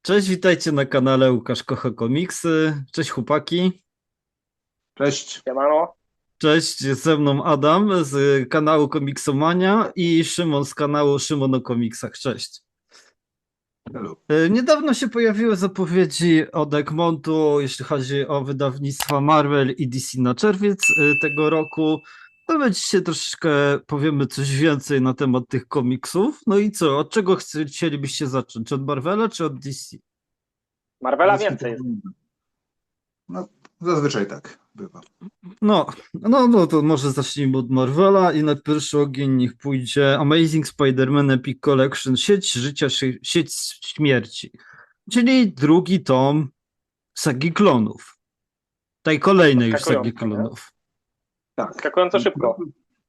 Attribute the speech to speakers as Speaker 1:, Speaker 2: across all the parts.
Speaker 1: Cześć, witajcie na kanale Łukasz Kocha Komiksy. Cześć chłopaki.
Speaker 2: Cześć.
Speaker 3: Siemano.
Speaker 1: Cześć, jest ze mną Adam z kanału Komiksomania i Szymon z kanału Szymon o Komiksach. Cześć.
Speaker 2: Hello.
Speaker 1: Niedawno się pojawiły zapowiedzi od Egmontu, jeśli chodzi o wydawnictwa Marvel i DC na czerwiec tego roku. To będzie troszeczkę powiemy coś więcej na temat tych komiksów. No i co, od czego chcielibyście zacząć? Od Marvela czy od DC?
Speaker 3: Marvela więcej jest.
Speaker 2: No, zazwyczaj tak bywa.
Speaker 1: No, to może zacznijmy od Marvela i na pierwszy ogień niech pójdzie Amazing Spider-Man Epic Collection Sieć Życia, Sieć Śmierci, czyli drugi tom sagi klonów, tej kolejnej już sagi
Speaker 3: Zaskakująco, nie?
Speaker 1: klonów.
Speaker 2: Tak.
Speaker 3: Zaskakująco szybko.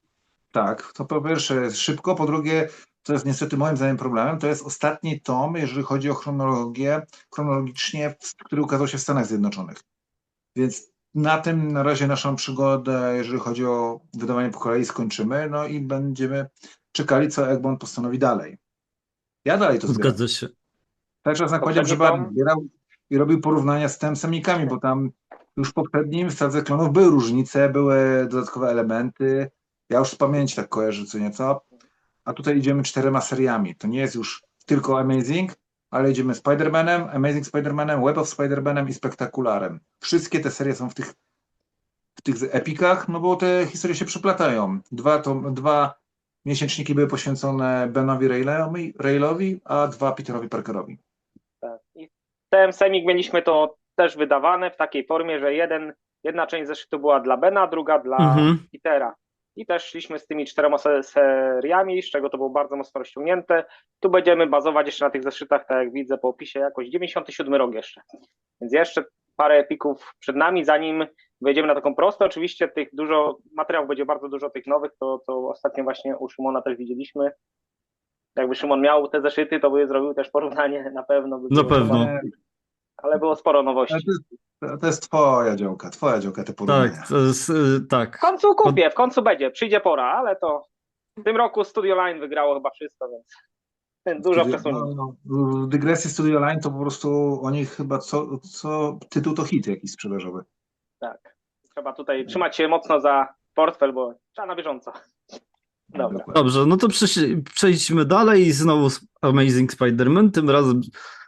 Speaker 2: Tak, to po pierwsze jest szybko, po drugie, co jest niestety moim zdaniem problemem, to jest ostatni tom, jeżeli chodzi o chronologię, chronologicznie, który ukazał się w Stanach Zjednoczonych. Więc na tym na razie naszą przygodę, jeżeli chodzi o wydawanie po kolei, skończymy, no i będziemy czekali, co Egmont postanowi dalej. Ja dalej to zbieram.
Speaker 1: Zgadza się.
Speaker 2: Cały czas nakładam, że
Speaker 3: Poprzedni
Speaker 2: bardzo
Speaker 3: tom?
Speaker 2: zbierał i robił porównania z tym semikami, bo tam już w poprzednim Sadze Klonów były różnice, były dodatkowe elementy. Ja już z pamięci tak kojarzę co nieco. A tutaj idziemy 4 seriami. To nie jest już tylko Amazing, ale idziemy Spider-Manem, Amazing Spider-Manem, Web of Spider-Manem i Spektakularem. Wszystkie te serie są w tych epikach, no bo te historie się przeplatają. Dwa miesięczniki były poświęcone Benowi Railowi, a 2 Peterowi Parkerowi.
Speaker 3: Tak. I ten semik mieliśmy to też wydawane w takiej formie, że jedna część zeszytu była dla Bena, druga dla Petera. I też szliśmy z tymi 4 seriami, z czego to było bardzo mocno rozciągnięte. Tu będziemy bazować jeszcze na tych zeszytach, tak jak widzę po opisie, jakoś 97 rok jeszcze. Więc jeszcze parę epików przed nami, zanim wejdziemy na taką prostą. Oczywiście tych dużo materiałów będzie bardzo dużo tych nowych, to ostatnio właśnie u Szymona też widzieliśmy. Jakby Szymon miał te zeszyty, to by zrobił też porównanie na pewno.
Speaker 1: Na pewno.
Speaker 3: Ale było sporo
Speaker 2: Ale
Speaker 3: nowości.
Speaker 2: to jest twoja działka te porównania.
Speaker 1: Tak, to jest, tak.
Speaker 3: W końcu kupię, w końcu będzie, przyjdzie pora, ale to w tym roku Studio Line wygrało chyba wszystko, więc dużo przesunięć.
Speaker 2: W dygresji Studio Line to po prostu oni chyba co tytuł to hit jakiś sprzedażowy.
Speaker 3: Tak. Trzeba tutaj trzymać się mocno za portfel, bo trzeba na bieżąco. Dobra.
Speaker 2: Dokładnie.
Speaker 1: Dobrze, no to przejdźmy dalej i znowu Amazing Spider-Man, tym razem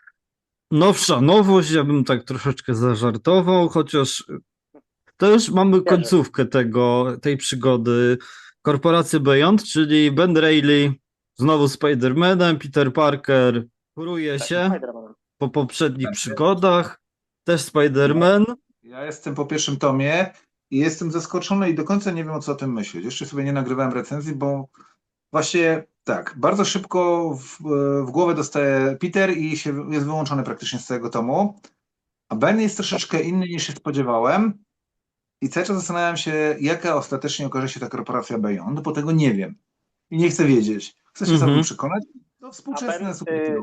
Speaker 1: nowsza nowość, ja bym tak troszeczkę zażartował, chociaż to już mamy końcówkę tej przygody. Korporacja Beyond, czyli Ben Reilly, znowu Spider-Manem, Peter Parker kuruje
Speaker 3: Tak,
Speaker 1: się
Speaker 3: Spider-Man.
Speaker 1: po poprzednich
Speaker 2: Tak.
Speaker 1: przygodach, też Spider-Man.
Speaker 2: Ja jestem po pierwszym tomie i jestem zaskoczony i do końca nie wiem o co o tym myśleć. Jeszcze sobie nie nagrywałem recenzji, bo właśnie tak, bardzo szybko w głowę dostaje Peter i jest wyłączony praktycznie z całego tomu. A Ben jest troszeczkę inny niż się spodziewałem. I cały czas zastanawiam się, jaka ostatecznie okaże się ta korporacja Beyond, bo tego nie wiem. I nie chcę wiedzieć. Chcę się sam przekonać. To współczesne superhero.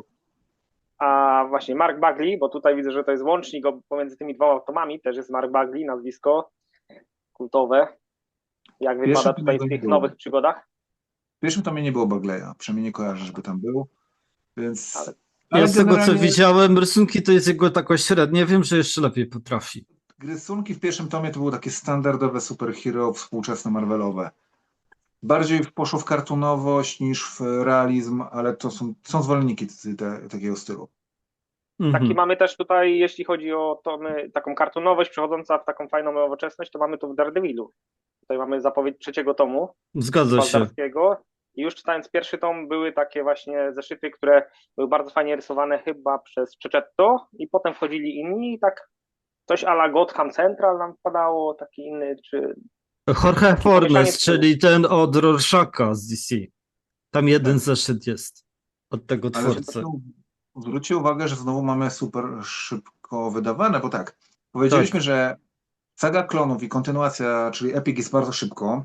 Speaker 3: A właśnie Mark Bagley, bo tutaj widzę, że to jest łącznik pomiędzy tymi 2 tomami, też jest Mark Bagley, nazwisko kultowe. Jak wypada tutaj w tych nowych przygodach?
Speaker 2: W pierwszym tomie nie było Bagleya, przynajmniej nie kojarzę, żeby tam był. Więc...
Speaker 1: Ja z tego co widziałem, rysunki to jest jego taka średnia, wiem, że jeszcze lepiej potrafi.
Speaker 2: Rysunki w pierwszym tomie to były takie standardowe superhero współczesne Marvelowe. Bardziej poszło w kartunowość niż w realizm, ale to są zwolenniki takiego stylu.
Speaker 3: Taki mamy też tutaj, jeśli chodzi o taką kartunowość przechodząca w taką fajną nowoczesność, to mamy tu w Daredevilu. Tutaj mamy zapowiedź 3 tomu.
Speaker 1: Zgadza się.
Speaker 3: I już czytając pierwszy tom były takie właśnie zeszyty, które były bardzo fajnie rysowane chyba przez Cecchetto i potem wchodzili inni i tak coś a la Gotham Central nam wpadało, taki inny, czy...
Speaker 1: Jorge Fornes, czyli ten od Rorschacha z DC. Tam jeden zeszyt jest od tego twórcy.
Speaker 2: Zwróćcie uwagę, że znowu mamy super szybko wydawane, bo tak, powiedzieliśmy, że saga klonów i kontynuacja, czyli Epic jest bardzo szybko.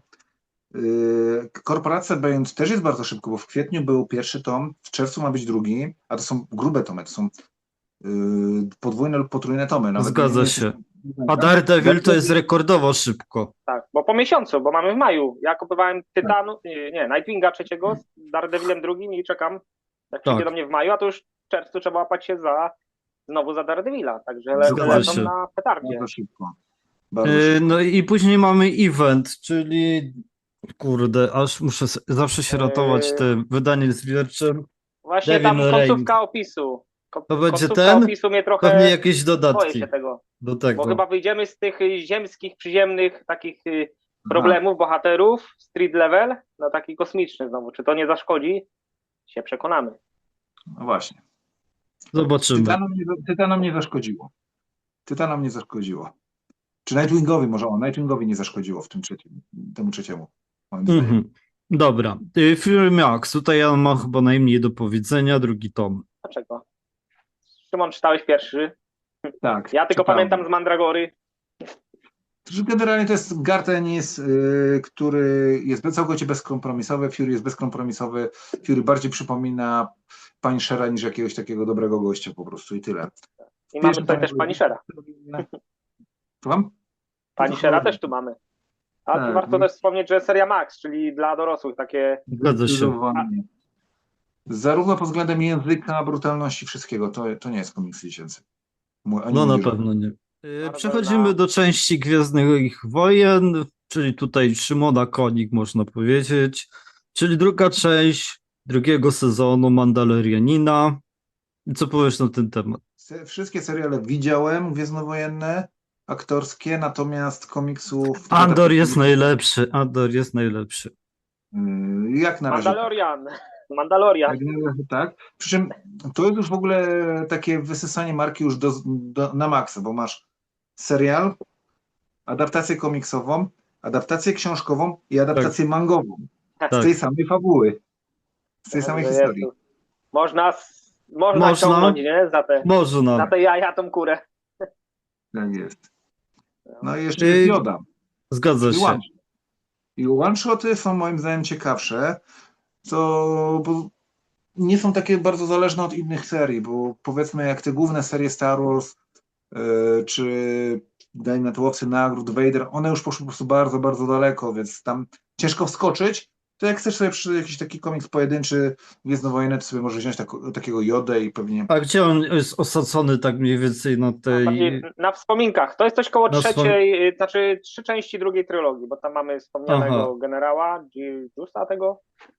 Speaker 2: Korporacja Beyond też jest bardzo szybko, bo w kwietniu był pierwszy tom, w czerwcu ma być drugi, a to są grube tomy, to są podwójne lub potrójne tomy. Nawet
Speaker 1: Zgadza się. A Daredevil to jest rekordowo szybko.
Speaker 3: Tak, bo po miesiącu, bo mamy w maju. Ja kupowałem Tytanu, Nightwinga 3 z Daredevilem 2 i czekam, jak przyjdzie do mnie w maju, a to już w czerwcu trzeba łapać się za znowu za Daredevila, także
Speaker 1: Zgadza
Speaker 3: lecą
Speaker 1: się.
Speaker 3: na petardzie.
Speaker 2: Bardzo szybko. Bardzo szybko.
Speaker 1: No i później mamy event, czyli kurde, aż muszę zawsze się ratować tym wydaniem zbiorczym.
Speaker 3: Właśnie
Speaker 1: Devin
Speaker 3: tam
Speaker 1: Rain.
Speaker 3: końcówka opisu.
Speaker 1: To będzie
Speaker 3: Końcówka
Speaker 1: ten?
Speaker 3: opisu mnie
Speaker 1: Pewnie
Speaker 3: trochę
Speaker 1: jakieś
Speaker 3: boję
Speaker 1: dodatki
Speaker 3: się tego.
Speaker 1: do
Speaker 3: Bo
Speaker 1: tego.
Speaker 3: chyba wyjdziemy z tych ziemskich, przyziemnych takich
Speaker 2: Aha.
Speaker 3: problemów, bohaterów, street level, na taki kosmiczny znowu. Czy to nie zaszkodzi? Się przekonamy.
Speaker 2: No właśnie.
Speaker 1: Zobaczymy.
Speaker 2: Tytanom nie zaszkodziło. Tytanom nie zaszkodziło. Czy Nightwingowi może? Nightwingowi nie zaszkodziło w tym temu trzeciemu. Moim zdaniem.
Speaker 1: Mhm. Dobra. Fury Max. Tutaj ja mam chyba najmniej do powiedzenia. Drugi tom.
Speaker 3: Dlaczego? Szymon, czytałeś pierwszy?
Speaker 2: Tak.
Speaker 3: Ja tylko
Speaker 2: czytałem.
Speaker 3: pamiętam z Mandragory.
Speaker 2: Że generalnie to jest Gartenis, który jest całkowicie bezkompromisowy. Fury jest bezkompromisowy. Fury bardziej przypomina Punishera niż jakiegoś takiego dobrego gościa po prostu i tyle.
Speaker 3: I mamy
Speaker 2: Pierwszym
Speaker 3: tutaj też
Speaker 2: tomie-
Speaker 3: Punishera.
Speaker 2: Słucham?
Speaker 3: Punishera też tu mamy. A
Speaker 2: Tak,
Speaker 3: warto
Speaker 2: no.
Speaker 3: też wspomnieć, że seria Max, czyli dla dorosłych takie.
Speaker 1: Zgadza się.
Speaker 2: Zdecydowanie. Zarówno pod względem języka, brutalności, wszystkiego. To nie jest komiks dziecięcy.
Speaker 1: No na pewno nie.
Speaker 3: Marvel
Speaker 1: Przechodzimy
Speaker 3: na-
Speaker 1: do części Gwiezdnych Wojen, czyli tutaj Szymona Konik, można powiedzieć, czyli druga część drugiego sezonu Mandalorianina. I co powiesz na ten temat?
Speaker 2: Wszystkie seriale widziałem, gwiezdnowojenne, aktorskie, natomiast komiksów...
Speaker 1: Andor jest najlepszy, Andor jest najlepszy.
Speaker 2: Jak na razie.
Speaker 3: Mandalorian.
Speaker 2: Jak na razie tak. Przy czym to jest już w ogóle takie wysysanie marki już na maksa, bo masz serial, adaptację komiksową, adaptację książkową i adaptację mangową. Z
Speaker 1: Tak.
Speaker 2: tej samej fabuły. Z tej samej
Speaker 3: Jezu.
Speaker 2: historii.
Speaker 3: Można
Speaker 1: Można.
Speaker 3: ciągnąć, nie? Za
Speaker 1: Można.
Speaker 3: te jaja tą kurę.
Speaker 2: Tak jest. No i jeszcze
Speaker 1: Yy,
Speaker 2: jest Yoda.
Speaker 1: Zgadza
Speaker 2: Czyli
Speaker 1: się.
Speaker 2: one. I one-shoty są moim zdaniem ciekawsze, bo nie są takie bardzo zależne od innych serii, bo powiedzmy jak te główne serie Star Wars, czy dajmy na to Łowcy Nagród, Vader, one już poszły po prostu bardzo, bardzo daleko, więc tam ciężko wskoczyć. To jak chcesz sobie przy jakiś taki komiks pojedynczy, gwiezdnowojenny, to sobie możesz wziąć takiego Jodę i pewnie...
Speaker 1: A gdzie on jest osadzony tak mniej więcej na tej...
Speaker 3: Bardziej na wspominkach. To jest coś koło
Speaker 1: Na
Speaker 3: trzeciej, znaczy 3 części drugiej trylogii, bo tam mamy wspomnianego
Speaker 1: Aha.
Speaker 3: generała, Justa tego.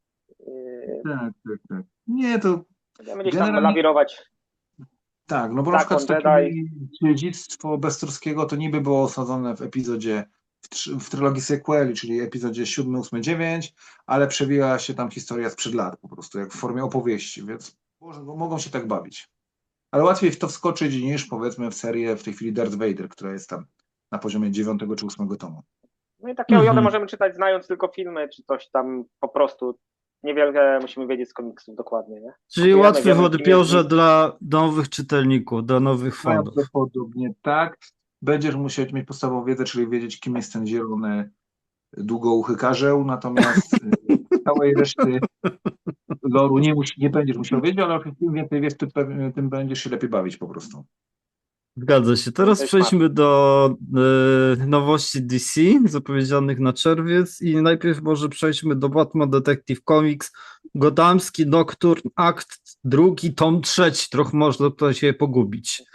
Speaker 2: Tak. Nie, to
Speaker 3: Będziemy gdzieś tam
Speaker 2: Generalnie-
Speaker 3: lawirować.
Speaker 2: tak, no bo na
Speaker 3: Tak,
Speaker 2: przykład
Speaker 3: on
Speaker 2: takie
Speaker 3: Jedi.
Speaker 2: dziedzictwo Bezturskiego to niby było osadzone w epizodzie, w trylogii sequeli, czyli epizodzie 7, 8, 9, ale przewija się tam historia sprzed lat po prostu, jak w formie opowieści, więc mogą się tak bawić. Ale łatwiej w to wskoczyć niż powiedzmy w serię w tej chwili Darth Vader, która jest tam na poziomie 9 czy 8 tomu.
Speaker 3: No i takiego Jodę
Speaker 1: Mhm.
Speaker 3: możemy czytać znając tylko filmy, czy coś tam po prostu. Niewiele musimy wiedzieć z komiksów dokładnie, nie?
Speaker 1: Czyli
Speaker 3: Wiemy,
Speaker 1: łatwy w
Speaker 3: kim
Speaker 1: odbiorze
Speaker 3: jest-
Speaker 1: dla nowych czytelników, dla nowych fanów.
Speaker 2: Prawdopodobnie tak. Będziesz musiał mieć podstawową wiedzę, czyli wiedzieć, kim jest ten zielony, długouchy karzeł, natomiast całej reszty loru nie będziesz musiał wiedzieć, ale im więcej wiesz, tym będziesz się lepiej bawić po prostu.
Speaker 1: Zgadza się. Teraz
Speaker 3: To jest
Speaker 1: przejdźmy do nowości DC zapowiedzianych na czerwiec i najpierw może przejdźmy do Batman Detective Comics, Gothamski Nocturne, akt 2, tom 3. Trochę można tutaj się pogubić.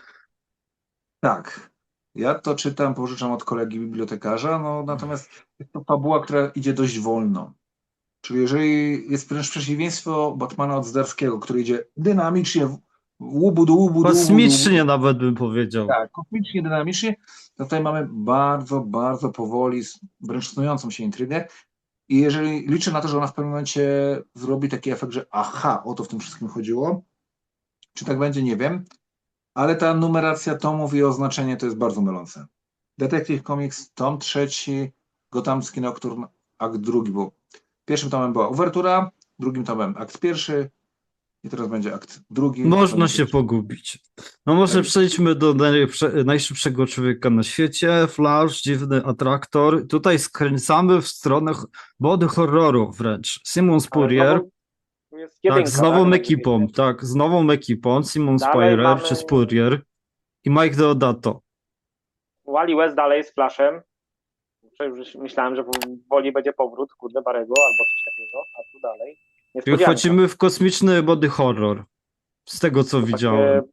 Speaker 2: Tak. Ja to czytam, pożyczam od kolegi bibliotekarza, no natomiast jest to fabuła, która idzie dość wolno. Czyli jeżeli jest wręcz przeciwieństwo Batmana od Zdarskiego, który idzie dynamicznie, łubu.
Speaker 1: Kosmicznie nawet bym powiedział.
Speaker 2: Tak, kosmicznie, dynamicznie. To tutaj mamy bardzo, bardzo powoli, wręcz snującą się intrygę. I jeżeli liczę na to, że ona w pewnym momencie zrobi taki efekt, że aha, o to w tym wszystkim chodziło. Czy tak będzie, nie wiem. Ale ta numeracja tomów i oznaczenie to jest bardzo mylące. Detective Comics, tom 3, Gothamski Nocturne, akt 2, bo pierwszym tomem była uwertura, drugim tomem akt 1 i teraz będzie akt 2.
Speaker 1: Można się pogubić. No może
Speaker 2: Tak.
Speaker 1: przejdźmy do najszybszego człowieka na świecie. Flash, dziwny atraktor. Tutaj skręcamy w stronę body horroru wręcz. Simon Spurrier.
Speaker 3: Jest
Speaker 1: Tak,
Speaker 3: jedynka,
Speaker 1: z nową
Speaker 3: tak?
Speaker 1: ekipą, tak, z nową ekipą, Simon
Speaker 3: Dalej
Speaker 1: Spurrier
Speaker 3: mamy-
Speaker 1: czy Spurrier i Mike Deodato.
Speaker 3: Wally West dalej z Flashem. Już myślałem, że woli będzie powrót, kurde, Barego albo coś takiego, a tu dalej.
Speaker 1: I
Speaker 3: Niespodzianka.
Speaker 1: wchodzimy w kosmiczny body horror, z tego co
Speaker 3: Takie
Speaker 1: widziałem.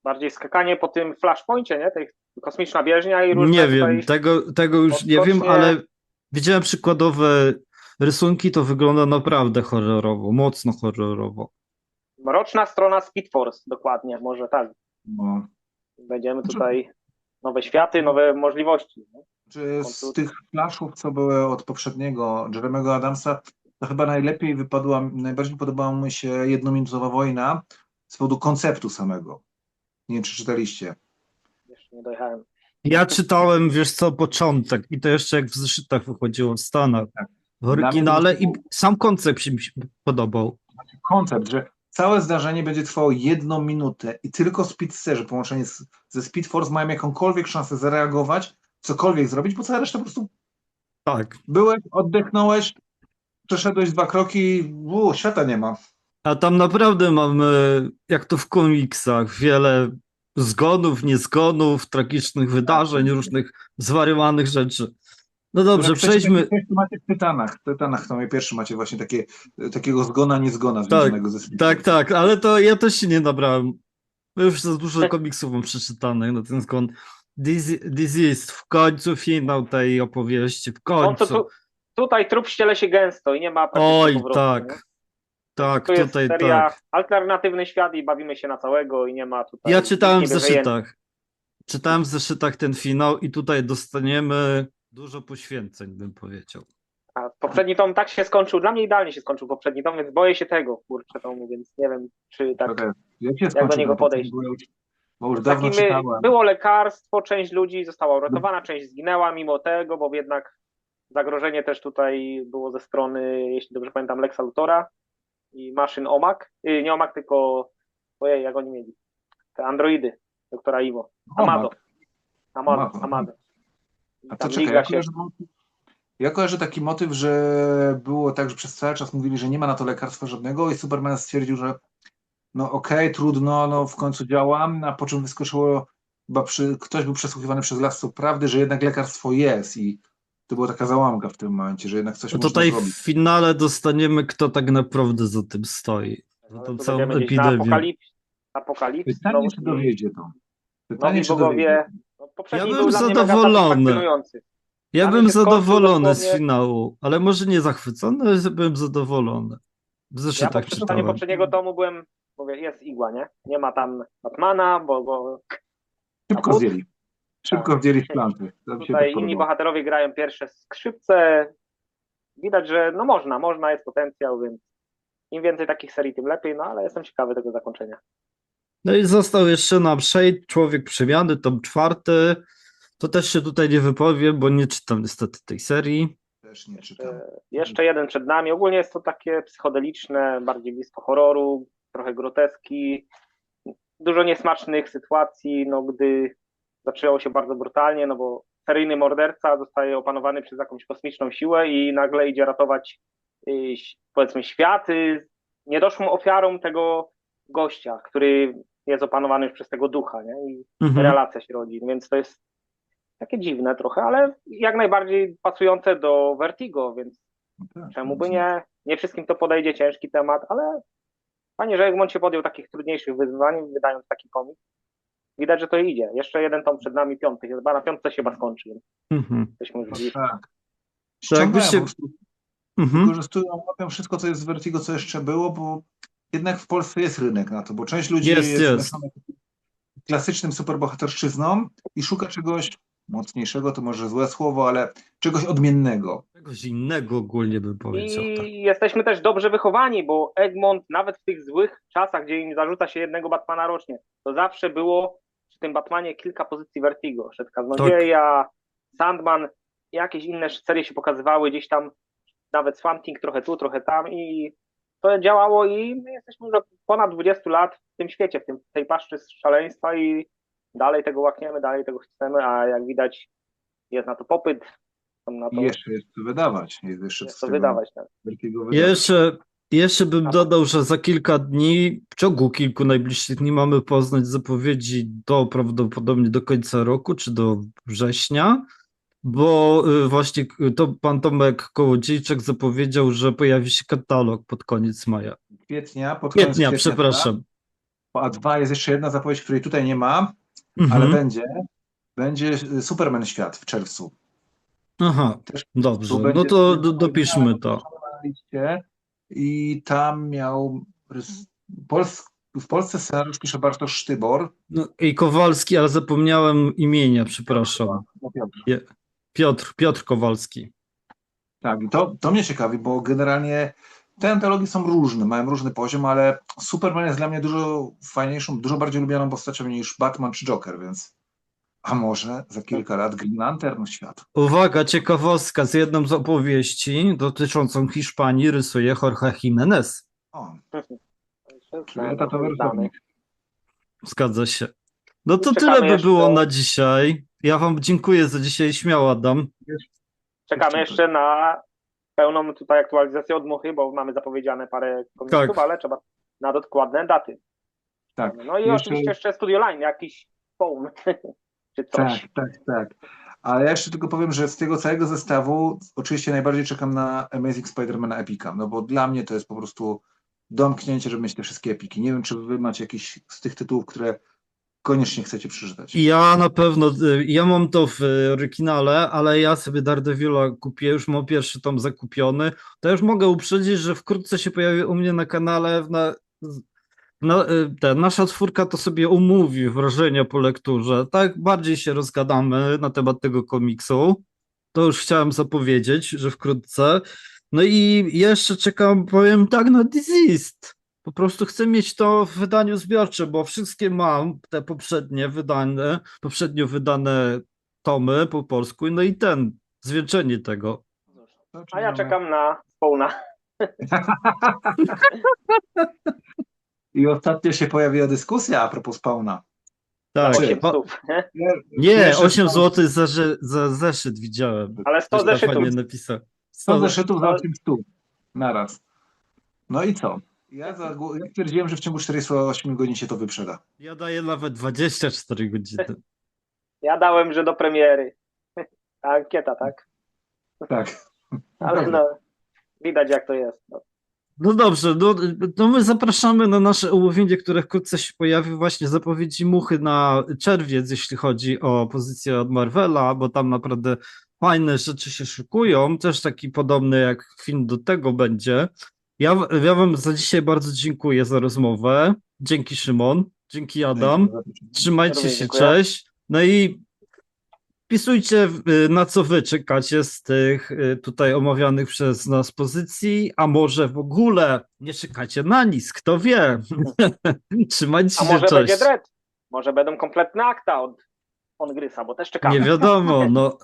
Speaker 3: Bardziej skakanie po tym flashpoincie, nie? Tej kosmiczna bieżnia i różne
Speaker 1: Nie
Speaker 3: tutaj...
Speaker 1: wiem, tego już nie wiem,
Speaker 3: odskocznie.
Speaker 1: ale widziałem przykładowe rysunki, to wygląda naprawdę horrorowo, mocno horrorowo.
Speaker 3: Mroczna strona Speed Force, dokładnie, może tak.
Speaker 2: No.
Speaker 3: Będziemy tutaj nowe światy, nowe możliwości. Nie?
Speaker 2: Czy z tych flashów, co były od poprzedniego Jeremy'ego Adamsa, to chyba najbardziej podobała mi się Jednominutowa wojna z powodu konceptu samego. Nie wiem, czy czytaliście.
Speaker 3: Jeszcze nie dojechałem.
Speaker 1: Ja czytałem, wiesz co, początek i to jeszcze jak w zeszytach wychodziło w Stanach,
Speaker 2: Tak.
Speaker 1: w oryginale
Speaker 2: Dla mnie
Speaker 1: i sam koncept mi się podobał.
Speaker 2: Koncept, że całe zdarzenie będzie trwało 1 minutę i tylko speedsterzy połączeni ze Speed Force mają jakąkolwiek szansę zareagować, cokolwiek zrobić, bo cała reszta po prostu
Speaker 1: Tak.
Speaker 2: byłeś, oddechnąłeś, przeszedłeś 2 kroki, świata nie ma.
Speaker 1: A tam naprawdę mamy, jak to w komiksach, wiele zgonów, niezgonów, tragicznych wydarzeń, różnych zwariowanych rzeczy. No dobrze,
Speaker 2: Jak chcecie,
Speaker 1: przejdźmy.
Speaker 2: takie coś, to macie w Tytanach to pierwszy macie właśnie takiego zgona, niezgona związanego ze Speed Force.
Speaker 1: Tak, ale to ja też się nie nabrałem. Już za dużo komiksów mam przeczytanych na ten skąd. Disease, w końcu finał tej opowieści, w
Speaker 3: No
Speaker 1: końcu.
Speaker 3: to tutaj trup ściele się gęsto i nie ma praktycznie
Speaker 1: Oj,
Speaker 3: powrotu.
Speaker 1: tak.
Speaker 3: Nie?
Speaker 1: Tak,
Speaker 3: To jest
Speaker 1: tutaj
Speaker 3: seria
Speaker 1: tak.
Speaker 3: alternatywny świat i bawimy się na całego i nie ma tutaj...
Speaker 1: Ja czytałem w
Speaker 3: nikt nie wie, że
Speaker 1: zeszytach. Czytałem w zeszytach ten finał i tutaj dostaniemy dużo poświęceń, bym powiedział.
Speaker 3: A poprzedni tom tak się skończył, dla mnie idealnie się skończył poprzedni tom, więc boję się tego, kurczę tomu, więc nie wiem, czy tak,
Speaker 2: Jak
Speaker 3: do niego podejść.
Speaker 2: Bo już dawno
Speaker 3: Takim,
Speaker 2: czytałem.
Speaker 3: było lekarstwo, część ludzi została uratowana, część zginęła mimo tego, bo jednak zagrożenie też tutaj było ze strony, jeśli dobrze pamiętam, Lexa Luthora i maszyn OMAC, nie OMAC, tylko, ojej, jak oni mieli, te androidy, doktora Iwo, Amado.
Speaker 2: A
Speaker 3: Tam
Speaker 2: to
Speaker 3: liga
Speaker 2: czekaj,
Speaker 3: się...
Speaker 2: ja kojarzę taki motyw, że było tak, że przez cały czas mówili, że nie ma na to lekarstwa żadnego i Superman stwierdził, że no okej, trudno, no w końcu działam, a po czym wyskoczyło, chyba ktoś był przesłuchiwany przez Lasów Prawdy, że jednak lekarstwo jest i to była taka załamka w tym momencie, że jednak coś
Speaker 1: No
Speaker 2: można
Speaker 1: tutaj
Speaker 2: zrobić.
Speaker 1: w finale dostaniemy, kto tak naprawdę za tym stoi. Za
Speaker 3: Ale
Speaker 1: tą
Speaker 3: tu
Speaker 1: całą
Speaker 3: będziemy gdzieś na
Speaker 1: epidemię.
Speaker 3: apokalipsy.
Speaker 2: Pytanie, czy dowiedzie to. Pytanie,
Speaker 3: Nowi
Speaker 2: czy
Speaker 3: bogowie.
Speaker 2: dowiedzie.
Speaker 3: No, poprzedni
Speaker 1: Ja
Speaker 3: był
Speaker 1: bym
Speaker 3: dla mnie mega
Speaker 1: zadowolony.
Speaker 3: satysfakcjonujący.
Speaker 1: Ja
Speaker 3: Dla mnie
Speaker 1: bym
Speaker 3: się skończył
Speaker 1: zadowolony z
Speaker 3: dosłownie-
Speaker 1: finału, ale może nie zachwycony, ale byłem zadowolony. W
Speaker 3: Ja
Speaker 1: zeszytach
Speaker 3: po przeczytaniu
Speaker 1: czytałem.
Speaker 3: poprzedniego tomu byłem, mówię, jest igła, nie? Nie ma tam Batmana, bo
Speaker 2: Szybko
Speaker 3: A
Speaker 2: zdjęli. Szybko zdjęli w planty. To mi się
Speaker 3: tutaj
Speaker 2: tak
Speaker 3: inni
Speaker 2: podobało.
Speaker 3: bohaterowie grają pierwsze skrzypce. Widać, że no można, jest potencjał, więc im więcej takich serii, tym lepiej, no ale jestem ciekawy tego zakończenia.
Speaker 1: No i został jeszcze nam Shade, Człowiek Przemiany, tom 4. To też się tutaj nie wypowiem, bo nie czytam niestety tej serii.
Speaker 2: Też nie czytam.
Speaker 3: Jeszcze jeden przed nami. Ogólnie jest to takie psychodeliczne, bardziej blisko horroru, trochę groteski, dużo niesmacznych sytuacji, no gdy zaczęło się bardzo brutalnie, no bo seryjny morderca zostaje opanowany przez jakąś kosmiczną siłę i nagle idzie ratować powiedzmy świat niedoszłą ofiarą tego gościa, który jest opanowany już przez tego ducha, nie? I relacja się rodzi, więc to jest takie dziwne trochę, ale jak najbardziej pasujące do Vertigo, więc
Speaker 2: Tak,
Speaker 3: czemu by nie? Nie wszystkim to podejdzie, ciężki temat, ale fajnie, że Egmont się podjął takich trudniejszych wyzwań, wydając taki komiks. Widać, że to idzie. Jeszcze jeden tom przed nami, 5. Chyba na 5 się chyba skończy. Jesteśmy już blisko.
Speaker 2: Tak.
Speaker 1: jakby
Speaker 2: Ściągają
Speaker 1: się-
Speaker 2: po prostu. Wykorzystują, łapią wszystko, co jest z Vertigo, co jeszcze było, bo jednak w Polsce jest rynek na to, bo część ludzi
Speaker 1: Jest.
Speaker 2: zmęczona klasycznym superbohaterszczyzną i szuka czegoś mocniejszego, to może złe słowo, ale czegoś odmiennego.
Speaker 1: Czegoś innego ogólnie bym powiedział.
Speaker 3: I
Speaker 1: Tak.
Speaker 3: jesteśmy też dobrze wychowani, bo Egmont nawet w tych złych czasach, gdzie im zarzuca się jednego Batmana rocznie, to zawsze było przy tym Batmanie kilka pozycji Vertigo. Szedł Kaznodzieja, Sandman, jakieś inne serie się pokazywały, gdzieś tam nawet Swamp Thing trochę tu, trochę tam i to działało i my jesteśmy już od ponad 20 lat w tym świecie, w tej paszczy szaleństwa i dalej tego łakniemy, dalej tego chcemy, a jak widać jest na to popyt. Na to
Speaker 2: I jeszcze jest co wydawać. Jest
Speaker 3: jest
Speaker 2: z
Speaker 3: to
Speaker 2: tego
Speaker 3: wydawać. Tak.
Speaker 2: Vertigo wydawać.
Speaker 1: Jeszcze bym dodał, że za kilka dni, w ciągu kilku najbliższych dni mamy poznać zapowiedzi prawdopodobnie do końca roku, czy do września, bo właśnie to pan Tomek Kołodziejczak zapowiedział, że pojawi się katalog pod koniec maja.
Speaker 2: Pod koniec
Speaker 1: Kwietnia, przepraszam.
Speaker 2: po A2 jest jeszcze jedna zapowiedź, której tutaj nie ma,
Speaker 1: Mhm.
Speaker 2: ale będzie Superman Świat w czerwcu.
Speaker 1: Aha,
Speaker 2: Też
Speaker 1: dobrze.
Speaker 2: tu
Speaker 1: No
Speaker 2: będzie
Speaker 1: to dopiszmy to.
Speaker 2: na liście i tam miał w Polsce scenariusz pisze Bartosz Sztybor.
Speaker 1: No, i Kowalski, ale zapomniałem imienia, przepraszam.
Speaker 2: No, Piotr.
Speaker 1: Piotr Kowalski.
Speaker 2: Tak, i to mnie ciekawi, bo generalnie te antologii są różne, mają różny poziom, ale Superman jest dla mnie dużo fajniejszą, dużo bardziej lubianą postacią niż Batman czy Joker, więc a może za kilka lat Green Lantern świat.
Speaker 1: Uwaga, ciekawostka, z jedną z opowieści dotyczącą Hiszpanii rysuje Jorge Jimenez.
Speaker 2: O,
Speaker 3: Znany,
Speaker 2: czyli etatowy
Speaker 3: znany.
Speaker 2: rysownik.
Speaker 1: Zgadza się. No to
Speaker 3: Czekamy
Speaker 1: tyle by
Speaker 3: jeszcze-
Speaker 1: było na dzisiaj. Ja wam dziękuję za dzisiaj. Śmiało, Adam.
Speaker 3: Czekamy jeszcze na pełną tutaj aktualizację od Muchy, bo mamy zapowiedziane parę komiksów,
Speaker 1: Tak.
Speaker 3: ale trzeba na dokładne daty.
Speaker 2: Tak.
Speaker 3: No i
Speaker 2: Jeszcze-
Speaker 3: oczywiście jeszcze Studio Line, jakiś phone czy coś.
Speaker 2: Tak. Ale ja jeszcze tylko powiem, że z tego całego zestawu oczywiście najbardziej czekam na Amazing Spider-Mana Epica, no bo dla mnie to jest po prostu domknięcie, żeby mieć te wszystkie epiki. Nie wiem, czy wy macie jakiś z tych tytułów, które koniecznie chcecie przeczytać.
Speaker 1: Ja na pewno, ja mam to w oryginale, ale ja sobie Daredevila kupię, już mam pierwszy tom zakupiony. To już mogę uprzedzić, że wkrótce się pojawi u mnie na kanale nasza czwórka to sobie umówi wrażenia po lekturze. Tak bardziej się rozgadamy na temat tego komiksu. To już chciałem zapowiedzieć, że wkrótce. No i jeszcze czekam, powiem tak, na Diseased. Po prostu chcę mieć to w wydaniu zbiorczym, bo wszystkie mam, te poprzednio wydane tomy po polsku, no i zwieńczenie tego.
Speaker 2: To,
Speaker 3: A
Speaker 2: czyli
Speaker 3: ja
Speaker 2: mamy-
Speaker 3: czekam na Spawna.
Speaker 2: I ostatnio się pojawiła dyskusja a propos Spawna.
Speaker 1: Tak,
Speaker 3: 8
Speaker 1: o,
Speaker 3: stów, nie?
Speaker 1: nie,
Speaker 2: Pierwszy
Speaker 1: 8
Speaker 2: Spawn-
Speaker 1: zł za zeszyt widziałem.
Speaker 3: Ale 100
Speaker 1: Ktoś tam
Speaker 3: zeszytów.
Speaker 1: fajnie napisał.
Speaker 2: 100 zeszytów za
Speaker 3: Ale-
Speaker 2: 8 stóp. Naraz. No i co? Ja stwierdziłem, że w ciągu 48 godzin się to wyprzeda.
Speaker 1: Ja daję nawet 24 godziny.
Speaker 3: Ja dałem, że do premiery. Ta ankieta, tak?
Speaker 2: Tak.
Speaker 3: Ale no, widać jak to jest. No.
Speaker 1: No dobrze, no my zapraszamy na nasze omówienie, które wkrótce się pojawi, właśnie zapowiedzi Muchy na czerwiec, jeśli chodzi o pozycję od Marvela, bo tam naprawdę fajne rzeczy się szykują, też taki podobny jak film do tego będzie. Ja wam za dzisiaj bardzo dziękuję za rozmowę. Dzięki Szymon, dzięki Adam. Trzymajcie
Speaker 3: Również
Speaker 1: się,
Speaker 3: dziękuję.
Speaker 1: cześć. No i wpisujcie, na co wy czekacie z tych tutaj omawianych przez nas pozycji, a może w ogóle nie czekacie na nic, kto wie. Trzymajcie
Speaker 3: A
Speaker 1: się,
Speaker 3: może
Speaker 1: cześć.
Speaker 3: będzie Dread? Może będą kompletne akta od Grysa, bo też czekamy.
Speaker 1: Nie wiadomo, no.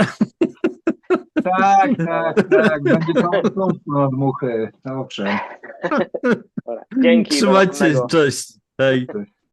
Speaker 2: Tak. Będzie to od muchy. Dobrze.
Speaker 3: Dobra. Dzięki. do
Speaker 1: Trzymajcie się,
Speaker 3: następnego.
Speaker 1: cześć. Hej.
Speaker 2: Cześć.